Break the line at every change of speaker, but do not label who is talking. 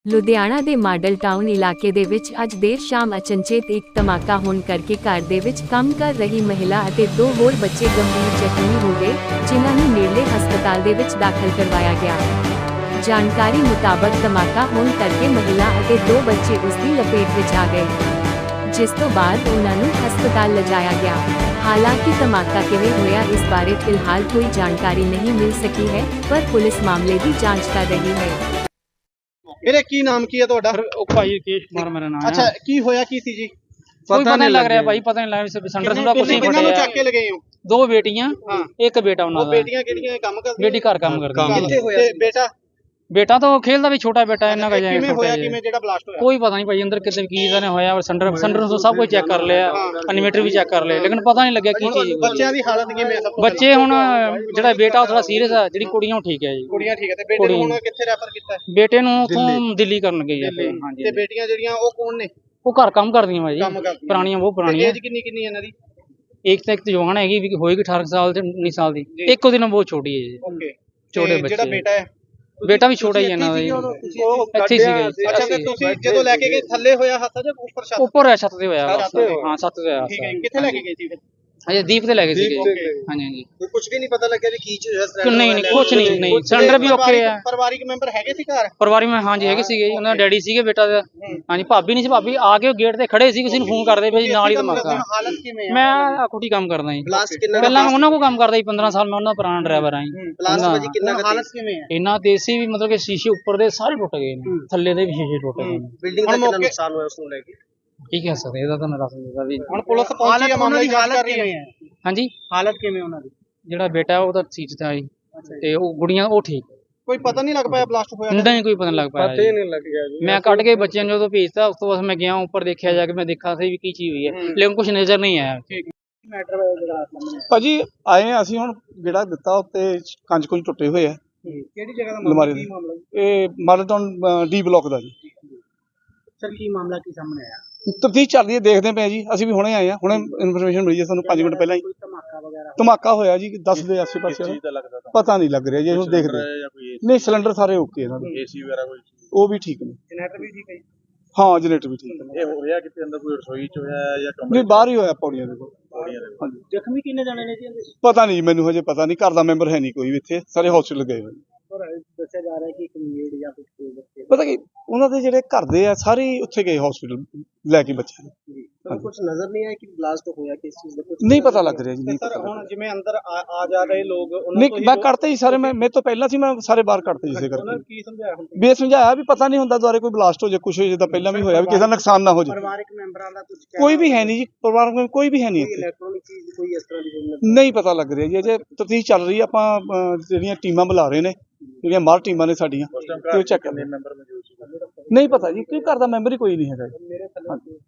ਲੁਧਿਆਣਾ ਦੇ model town ਇਲਾਕੇ ਦੇ ਵਿੱਚ ਅੱਜ ਦੇਰ ਸ਼ਾਮ ਅਚਨਚੇਤ ਇੱਕ ਧਮਾਕਾ ਹੋਣ ਕਰਕੇ ਘਰ ਦੇ ਵਿੱਚ ਕੰਮ ਕਰ ਰਹੀ ਮਹਿਲਾ ਅਤੇ ਦੋ ਹੋਰ ਬੱਚੇ ਗੰਭੀਰ ਜ਼ਖਮੀ ਹੋ ਗਏ, ਜਿਨ੍ਹਾਂ ਨੂੰ ਨੇੜਲੇ ਹਸਪਤਾਲ ਦੇ ਵਿੱਚ ਦਾਖਲ ਕਰਵਾਇਆ ਗਿਆ। ਜਾਣਕਾਰੀ ਮੁਤਾਬਕ ਧਮਾਕਾ ਹੋਣ ਕਰਕੇ ਮਹਿਲਾ ਅਤੇ ਦੋ ਬੱਚੇ ਉਸ ਦੀ ਲਪੇਟ ਵਿੱਚ ਆ ਗਏ, ਜਿਸ ਤੋਂ ਬਾਅਦ ਉਹਨਾਂ ਨੂੰ ਹਸਪਤਾਲ ਲਿਜਾਇਆ ਗਿਆ। ਹਾਲਾਂਕਿ ਧਮਾਕਾ ਕਿਵੇਂ ਹੋਇਆ ਇਸ ਬਾਰੇ ਫਿਲਹਾਲ ਕੋਈ ਜਾਣਕਾਰੀ ਨਹੀਂ ਮਿਲ ਸਕੀ ਹੈ, ਪਰ ਪੁਲਿਸ ਮਾਮਲੇ ਦੀ ਜਾਂਚ ਕਰ ਰਹੀ ਹੈ।
ਵੀਰੇ ਕੀ ਨਾਮ ਕੀ ਹੈ ਤੁਹਾਡਾ?
ਭਾਈ ਰਕੇਸ਼ ਕੁਮਾਰ ਮੇਰਾ ਨਾਮ ਹੈ।
ਅੱਛਾ, ਕੀ ਹੋਇਆ ਕੀ ਸੀ ਜੀ?
ਕੋਈ ਪਤਾ ਨਹੀਂ ਲੱਗ ਰਿਹਾ ਭਾਈ, ਪਤਾ ਨਹੀਂ ਲੱਗ ਰਿਹਾ ਸੰਡਰ ਸੁੰਡਾ ਕੁਛ ਨਹੀਂ
ਕਿੰਨਾਂ ਨੂੰ ਚੱਕ ਕੇ ਲਗਾਏ ਹੋ?
ਦੋ ਬੇਟੀਆਂ ਇੱਕ ਬੇਟਾ ਉਹਨਾਂ ਦਾ।
ਬੇਟੀਆਂ ਕਿਹੜੀਆਂ ਕੰਮ ਕਰਦੀਆਂ?
ਬੇਟੀ ਘਰ ਕੰਮ ਕਰਦੀ ਹੈ।
ਕਿੱਥੇ ਹੋਇਆ ਸੀ ਬੇਟਾ?
ਬੇਟਾ ਤਾਂ ਖੇਲਦਾ ਵੀ, ਛੋਟਾ ਬੇਟਾ ਇਹਨਾਂ ਦਾ
ਕਿਵੇਂ ਹੋਇਆ, ਕਿਵੇਂ ਜਿਹੜਾ ਬਲਾਸਟ ਹੋਇਆ?
ਕੋਈ ਪਤਾ ਨਹੀਂ ਭਾਈ, ਅੰਦਰ ਕਿਤੇ ਕੀ ਦਾ ਹੋਇਆ। ਸੰਡਰ ਤੋਂ ਸਭ ਕੁਝ ਚੈੱਕ ਕਰ ਲਿਆ, ਇਨਵੇਟਰ ਵੀ ਚੈੱਕ ਕਰ ਲਿਆ, ਲੇਕਿਨ ਪਤਾ ਨਹੀਂ ਲੱਗਿਆ ਕੀ ਚੀਜ਼।
ਬੱਚਿਆਂ ਦੀ ਹਾਲਤ ਕਿਵੇਂ ਹੈ?
ਬੱਚੇ ਹੁਣ ਜਿਹੜਾ ਬੇਟਾ ਥੋੜਾ ਸੀਰੀਅਸ ਆ, ਜਿਹੜੀ ਕੁੜੀਆਂ ਉਹ ਠੀਕ ਹੈ ਜੀ।
ਕੁੜੀਆਂ ਠੀਕ ਹੈ, ਤੇ ਬੇਟੇ ਨੂੰ ਹੁਣ ਕਿੱਥੇ ਰੈਫਰ ਕੀਤਾ?
ਬੇਟੇ ਨੂੰ ਉਥੋਂ ਦਿੱਲੀ ਕਰਨ ਗਈ ਹੈ। ਹਾਂਜੀ,
ਤੇ ਬੇਟੀਆਂ ਜਿਹੜੀਆਂ ਉਹ ਕੌਣ ਨੇ?
ਉਹ ਘਰ ਕੰਮ ਕਰਦੀਆਂ ਭਾਈ, ਪੁਰਾਣੀਆਂ ਬਹੁਤ ਪੁਰਾਣੀਆਂ।
ਏਜ ਕਿੰਨੀ ਕਿੰਨੀ ਇਹਨਾਂ ਦੀ?
ਇੱਕ ਤਾਂ ਜਵਾਨ ਹੈਗੀ ਵੀ, ਹੋਏਗੀ 18 ਸਾਲ ਤੇ 19 ਸਾਲ ਦੀ। ਇੱਕ ਉਹਦੇ ਨਾਲ ਬਹੁਤ ਛੋਟੀ ਹੈ ਜੀ।
ਓਕੇ,
ਛੋਟੇ ਬੱਚੇ।
ਜਿਹੜਾ ਬੇਟਾ ਹੈ
ਬੇਟਾ ਵੀ ਛੋਟਾ ਹੀ ਹੈ ਇਹਨਾਂ ਦਾ ਜੀ। ਇੱਥੇ ਸੀਗਾ।
ਅੱਛਾ, ਤੇ ਤੁਸੀਂ ਜਦੋਂ ਲੈ ਕੇ ਗਏ ਥੱਲੇ ਹੋਇਆ ਹੱਥ ਜਾਂ ਉੱਪਰ ਛੱਤ?
ਉੱਪਰ ਹੈ, ਛੱਤ ਤੇ ਹੋਇਆ। ਹਾਂ, ਛੱਤ ਤੇ ਹੋਇਆ।
ਠੀਕ ਹੈ, ਕਿੱਥੇ ਲੈ ਕੇ ਗਏ ਸੀ ਫਿਰ?
ਅਜੇ ਦੀਪ ਤੇ ਲੈ ਗਏ ਸੀਗੇ। ਹਾਂਜੀ ਹਾਂਜੀ।
ਕੁਝ ਵੀ ਨਹੀਂ ਪਤਾ ਲੱਗਿਆ ਵੀ ਕੀ ਚੀਜ਼ ਹੈ?
ਨਹੀਂ ਨਹੀਂ, ਕੁਛ ਨਹੀਂ। ਨਹੀਂ, ਸਿਲੰਡਰ ਵੀ ਓਕੇ ਆ।
ਪਰਿਵਾਰਿਕ ਮੈਂਬਰ ਹੈਗੇ ਸੀ ਘਰ?
ਪਰਿਵਾਰ ਵਿੱਚ ਹਾਂਜੀ ਹੈਗੇ ਸੀਗੇ ਜੀ। ਉਹਨਾਂ ਦਾ ਡੈਡੀ ਸੀਗੇ, ਬੇਟਾ ਦਾ ਹਾਂਜੀ। ਭਾਬੀ ਨਹੀਂ ਸੀ, ਭਾਬੀ ਆ ਕੇ ਗੇਟ ਤੇ ਖੜੇ ਸੀ, ਕਿਸੇ ਨੂੰ ਫੋਨ ਕਰਦੇ ਪਏ ਜੀ, ਨਾਲ ਹੀ ਧਮਾਕਾ।
ਹਾਲਤ ਕਿਵੇਂ ਹੈ?
ਮੈਂ ਕੁਟੀ ਕੰਮ ਕਰਦਾ ਜੀ।
ਪਹਿਲਾਂ
ਉਹਨਾਂ ਕੋਲ ਕੰਮ ਕਰਦਾ ਜੀ 15 ਸਾਲ। ਮੈਂ ਉਹਨਾਂ ਦਾ ਪੁਰਾਣਾ ਡਰਾਈਵਰ ਆ ਜੀ।
ਹਾਲਤ ਕਿਵੇਂ ਹੈ?
ਇੰਨਾ ਤੇਜ਼ ਸੀ ਵੀ, ਮਤਲਬ ਕਿ ਸ਼ੀਸ਼ੇ ਉੱਪਰ ਦੇ ਸਾਰੇ ਟੁੱਟ ਗਏ ਨੇ, ਥੱਲੇ ਦੇ ਵੀ ਸ਼ੀਸ਼ੇ ਟੁੱਟ ਗਏ ਨੇ।
ਬਿਲਡਿੰਗ ਦਾ ਕਿੰਨਾ ਨੁਕਸਾਨ ਹੋਇਆ ਉਸ ਨੂੰ ਲੈ ਕੇ?
ਕੀ ਕਹਿ ਸਕਦੇ, ਇਹਦਾ ਤਾਂ ਦੱਸ ਨਹੀਂ ਸਕਦਾ ਵੀ।
ਹੁਣ ਪੁਲਿਸ ਪਹੁੰਚੀ ਹੈ, ਮਾਮਲੇ ਦੀ ਹਾਲਤ ਕਿਵੇਂ ਹੈ?
ਹਾਂਜੀ,
ਹਾਲਤ ਕਿਵੇਂ ਉਹਨਾਂ ਦੀ?
ਜਿਹੜਾ ਬੇਟਾ ਉਹ ਤਾਂ ਸੀਟ ਤੇ ਆਈ, ਤੇ ਉਹ ਗੁੜੀਆਂ ਉਹ ਠੀਕ।
ਕੋਈ ਪਤਾ ਨਹੀਂ ਲੱਗ ਪਾਇਆ ਬਲਾਸਟ ਹੋਇਆ?
ਨਹੀਂ, ਕੋਈ ਪਤਾ ਨਹੀਂ ਲੱਗ ਪਾਇਆ।
ਪਤਾ ਹੀ ਨਹੀਂ ਲੱਗ ਗਿਆ ਜੀ।
ਮੈਂ ਕੱਢ ਕੇ ਬੱਚਿਆਂ ਨੂੰ ਜਦੋਂ ਭੇਜਤਾ, ਉਸ ਤੋਂ ਬਾਅਦ ਮੈਂ ਗਿਆ ਉੱਪਰ, ਦੇਖਿਆ ਜਾ ਕੇ, ਮੈਂ ਦੇਖਾ ਸੀ ਵੀ ਕੀ ਚੀਜ਼ ਹੋਈ ਹੈ, ਲੇਕਿਨ ਕੁਝ ਨਜ਼ਰ ਨਹੀਂ ਆਇਆ।
ਭਾਜੀ ਆਏ ਆ ਅਸੀਂ, ਹੁਣ ਜਿਹੜਾ ਦਿੱਤਾ ਉੱਤੇ ਕੰਚ ਕੁੰਝ ਟੁੱਟੇ ਹੋਏ ਆ।
ਕਿਹੜੀ ਜਗ੍ਹਾ ਦਾ
ਅਲਮਾਰੀ ਦੇ?
ਮਾਮਲਾ?
ਇਹ ਮਾਡਲ ਟਾਊਨ ਡੀ ਬਲਾਕ ਦਾ ਜੀ।
ਸਰ, ਕੀ ਮਾਮਲਾ ਕੀ ਸਾਹਮਣੇ ਆਇਆ?
ਤਫਤੀਸ਼ ਚੱਲ ਰਹੀ ਹੈ, ਦੇਖਦੇ ਪਏ ਜੀ। ਅਸੀਂ ਵੀ ਹੁਣੇ ਆਏ ਆ, ਹੁਣੇ ਇਨਫੋਰਮੇਸ਼ਨ ਮਿਲੀ ਹੈ ਸਾਨੂੰ 5 ਮਿੰਟ ਪਹਿਲਾਂ ਹੀ।
ਧਮਾਕਾ ਵਗੈਰਾ?
ਧਮਾਕਾ ਹੋਇਆ ਜੀ 10 ਦੇ ਆਸੇ ਪਾਸੇ। ਪਤਾ ਨਹੀਂ ਲੱਗ ਰਿਹਾ ਜੀ, ਹੁਣ ਦੇਖਦੇ। ਨਹੀਂ, ਸਿਲੰਡਰ ਸਾਰੇ ਓਕੇ ਇਹਨਾਂ ਦੇ।
ਏਸੀ ਵਗੈਰਾ ਕੋਈ?
ਉਹ ਵੀ ਠੀਕ ਨੇ।
ਜਨਰੇਟਰ ਵੀ ਠੀਕ ਹੈ?
ਹਾਂ, ਜਨਰੇਟਰ ਵੀ ਠੀਕ ਨੇ।
ਇਹ ਹੋ ਰਿਹਾ ਕਿਤੇ ਅੰਦਰ ਕੋਈ ਰਸੋਈ ਚ ਹੋਇਆ ਜਾਂ ਕਮਰੇ?
ਨਹੀਂ, ਬਾਹਰ ਹੀ ਹੋਇਆ, ਪੌੜੀਆਂ ਦੇ ਕੋਲ।
ਹਾਂਜੀ। ਜ਼ਖਮੀ ਕਿੰਨੇ ਜਾਣੇ ਨੇ ਜੀ?
ਪਤਾ ਨਹੀਂ ਮੈਨੂੰ, ਹਜੇ ਪਤਾ ਨਹੀਂ। ਘਰ ਦਾ ਮੈਂਬਰ ਹੈ ਨਹੀਂ ਕੋਈ ਵੀ ਇੱਥੇ, ਸਾਰੇ ਹਸਪੀਟਲ ਗਏ ਹੋਏ।
ਪਰ ਦੱਸਿਆ ਜਾ ਰਿਹਾ ਕਿ ਕਮਿਊਨਿਟੀ ਜਾਂ ਕੁਝ ਬੱਚੇ।
ਪਤਾ ਕੀ, ਉਹਨਾਂ ਦੇ ਜਿਹੜੇ ਘਰ ਦੇ ਆ ਸਾਰੇ ਉੱਥੇ ਗਏ ਹਸਪੀਟਲ ਲੈ ਕੇ ਬੱਚਿਆਂ ਨੂੰ।
ਕੁਝ ਨਜ਼ਰ ਨਹੀਂ ਆਇਆ ਕਿ ਬਲਾਸਟ ਹੋਇਆ ਕਿਸ ਚੀਜ਼ ਦਾ?
ਨਹੀਂ ਪਤਾ ਲੱਗ ਰਿਹਾ ਜੀ, ਨਹੀਂ ਪਤਾ।
ਹੁਣ ਜਿਵੇਂ ਅੰਦਰ ਆ ਜਾ ਰਹੇ ਲੋਕ, ਉਹਨਾਂ
ਨਹੀਂ, ਮੈਂ ਕੱਢਤੇ ਜੀ ਸਾਰੇ। ਮੇਰੇ ਤੋਂ ਪਹਿਲਾਂ ਸੀ, ਮੈਂ ਸਾਰੇ ਬਾਹਰ ਕੱਢਤੇ ਜਿਸੇ ਕਰਕੇ।
ਕੀ ਸਮਝਾਇਆ ਹੁਣ?
ਵੀ ਸਮਝਾਇਆ ਵੀ ਪਤਾ ਨਹੀਂ ਹੁੰਦਾ ਦੁਆਰੇ ਕੋਈ ਬਲਾਸਟ ਹੋ ਜਾਏ, ਕੁਛ ਹੋ ਜਾਏ, ਤਾਂ ਪਹਿਲਾਂ ਵੀ ਹੋਇਆ ਵੀ ਕਿਸੇ ਦਾ ਨੁਕਸਾਨ ਨਾ ਹੋ ਜਾਏ।
ਪਰਿਵਾਰਕ ਮੈਂਬਰਾਂ ਦਾ ਕੁਝ
ਕੋਈ ਵੀ ਹੈ ਨਹੀਂ ਜੀ, ਪਰਿਵਾਰ ਵਿੱਚ ਕੋਈ ਵੀ ਹੈ ਨਹੀਂ ਇੱਥੇ।
ਇਲੈਕਟ੍ਰੋਨਿਕ ਚੀਜ਼ ਕੋਈ ਇਸ ਤਰ੍ਹਾਂ ਦੀ
ਨਹੀਂ ਪਤਾ ਲੱਗ ਰਿਹਾ ਜੀ, ਅਜੇ ਤਫਤੀਸ਼ ਚੱਲ ਰਹੀ ਹੈ। ਆਪਾਂ ਜਿਹੜੀਆਂ ਟੀਮਾਂ ਬੁਲਾ ਰਹੇ ਨੇ, ਜਿਹੜੀਆਂ ਬਾਹਰ ਟੀਮਾਂ ਨੇ ਸਾਡੀਆਂ, ਤੇ ਉਹ ਚੈੱਕ ਕਰਦੇ। ਨਹੀਂ ਪਤਾ ਜੀ, ਕੋਈ ਘਰ ਦਾ ਮੈਂਬਰ ਹੀ ਕੋਈ ਨਹੀਂ ਹੈਗਾ।